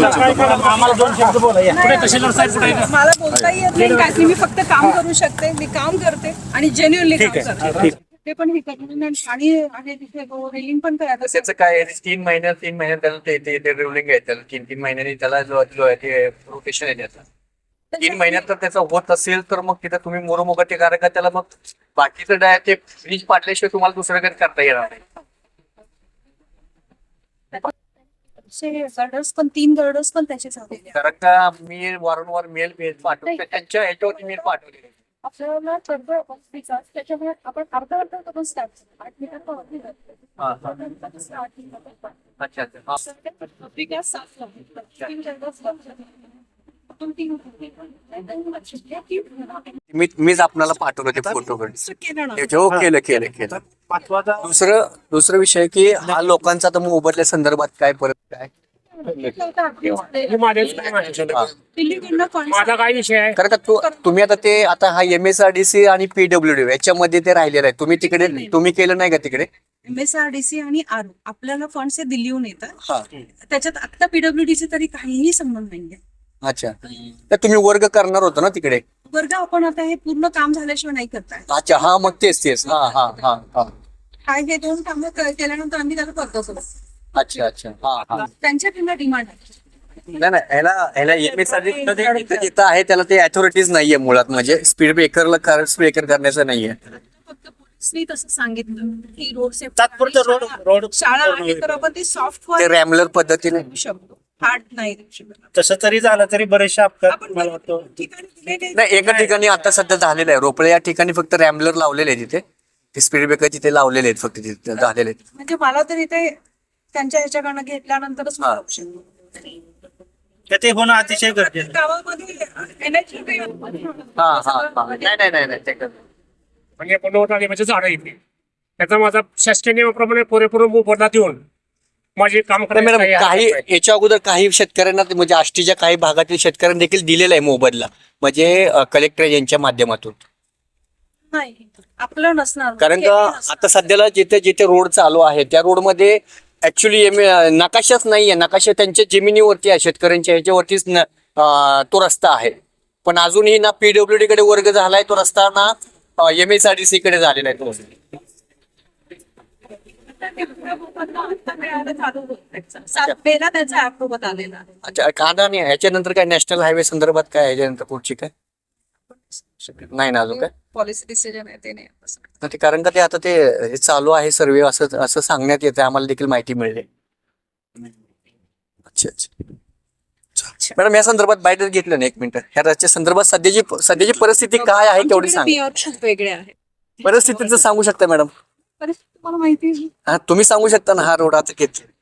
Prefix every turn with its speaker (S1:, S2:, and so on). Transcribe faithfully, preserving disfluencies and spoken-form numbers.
S1: आम्हाला दोन शब्द बोला. कुठे तहसीलदार साहेब कुठे आहे?
S2: मला बोलता येत नाही काय, मी फक्त काम करू शकते. मी काम करते आणि जेन्युअनली काम करते. ते पण हे करून आणि आहे तिथे रेलिंग पण करायचं.
S3: त्याचं काय आहे, तीन महिन्यात तीन महिन्यात त्याला ते ते ते रुलिंग आहे, त्याला तीन तीन महिन्यांनी त्याला जो जो आहे ते रोटेशन आहे त्याचं. तीन महिन्यात तर त्याचं होत असेल तर मग तिथं तुम्ही मोरोमोगटे करा का त्याला, मग बाकीचं डाय ते फ्रीज पाडल्याशिवाय तुम्हाला दुसरं काही करता येणार नाही.
S2: गर्डर्स पण तीन गर्डर्स पण त्याचे झालेले.
S3: कारण का मी वारंवार मेल मेल पाठवतो, त्यांच्या ह्याच्यावरती मेल पाठवले.
S2: आपल्याला त्याच्यामुळे आपण अर्धा अर्धा करून स्टार्ट आठ मीटर
S3: अच्छा अच्छा. मी मीच आपल्याला पाठवलं ते फोटो हो केलं केलं केलं. दुसरं दुसरं विषय की हा लोकांचा तर मोबदल्या संदर्भात काय परत काय
S1: माझा काय विषय आहे?
S3: कारण का तू तुम्ही आता ते आता हा M S R D C आणि पीडब्ल्यू डी याच्यामध्ये ते राहिलेलं आहे. तुम्ही तिकडे तुम्ही केलं नाही का तिकडे?
S2: एमएसआरडीसी आणि आर आपल्याला फंड्स दिल्लीहून येतात.
S3: हा
S2: त्याच्यात आता पीडब्ल्यूडीचे तरी काहीही संबंध नाहीये.
S3: अच्छा, तर तुम्ही वर्ग करणार होता ना तिकडे?
S2: वर्ग आपण आता हे पूर्ण काम झाल्याशिवाय नाही करताय.
S3: अच्छा, हा मग तेच तेच हा हा हा हा
S2: काय हे दोन कामं केल्यानंतर आम्ही त्याला करतो.
S3: अच्छा अच्छा हा हा.
S2: त्यांच्याकडनं डिमांड आहे.
S3: नाही नाही, ह्याला ह्याला एम एस आर डी जिथं आहे त्याला ते अथॉरिटीज नाहीये मुळात, म्हणजे स्पीड ब्रेकरला स्पीड ब्रेकर करण्याचं नाहीये.
S2: फक्त पोलिसनी तसं सांगितलं की रोड
S1: तात्पुरतं रोड रोड
S2: शाळा आहे तर आपण ती सॉफ्टवेअर
S3: ते रॅमलर पद्धतीने
S2: शकतो, हार्ड नाही देऊ शकत.
S1: तसं तरी झालं तरी बरेचसे अपघात मला वाटतं.
S2: ठिकाणी दिलेले
S3: नाही. एका ठिकाणी आता सध्या झालेलं आहे रोपळे या ठिकाणी, फक्त रॅमलर लावलेले आहे तिथे, ते स्पीड ब्रेकर तिथे लावलेले आहेत, फक्त तिथे झालेले आहेत.
S2: म्हणजे मला तर इथे त्यांच्या ह्याच्याकडनं घेतल्यानंतरच मला ऑप्शन
S1: तर ते होणं अतिशय गरजेचं.
S2: गावामध्ये एनएच
S3: हा हा हा नाही नाही नाही नाही ते कर.
S1: म्हणजे पंधरा म्हणजे झाडं येते त्याचा माझा शासकीय नियमाप्रमाणे पुरेपूर मोबदला देऊन माझे काम
S3: नाही मॅडम,
S1: करायचं
S3: काही
S1: आहे.
S3: याच्या अगोदर काही शेतकऱ्यांना ते म्हणजे आष्टीच्या काही भागातील शेतकऱ्यांना देखील दिलेला आहे मोबदला, म्हणजे कलेक्टर यांच्या माध्यमातून.
S2: नाही आपलं नसणार.
S3: कारण का आता सध्याला जिथे जिथे रोड चालू आहे त्या रोडमध्ये ऍक्च्युली नकाशाच नाहीये. नकाशा त्यांच्या जमिनीवरती आहे, शेतकऱ्यांच्या ह्याच्यावरतीच न- अं, तो रस्ता आहे. पण अजूनही ना पीडब्ल्यूडी कडे वर्ग झालाय तो रस्ता, ना M S R D C कडे झालेला आहे तो.
S2: त्याचा ऍप्रोव्हल आलेला आहे.
S3: अच्छा, का नाही ह्याच्यानंतर काय नॅशनल हायवे संदर्भात काय ह्याच्यानंतर पुढची काय नाही ना अजून काय
S2: पॉलिसी डिसिजन आहे ते नाही.
S3: तर ते कारण का ते आता ते हे चालू आहे सर्वे असं असं सांगण्यात येते, आम्हाला देखील माहिती मिळते. अच्छा अच्छा मॅडम, या संदर्भात बाईट घेतलं ना एक मिनिट, ह्या राज्या संदर्भात सध्याची सध्याची परिस्थिती काय आहे तेवढी सांगा.
S2: खूप वेगळे आहे
S3: परिस्थितीचं सांगू शकता मॅडम?
S2: परिस्थिती तुम्हाला माहिती आहे.
S3: हा तुम्ही सांगू शकता ना, हा रोड आता किती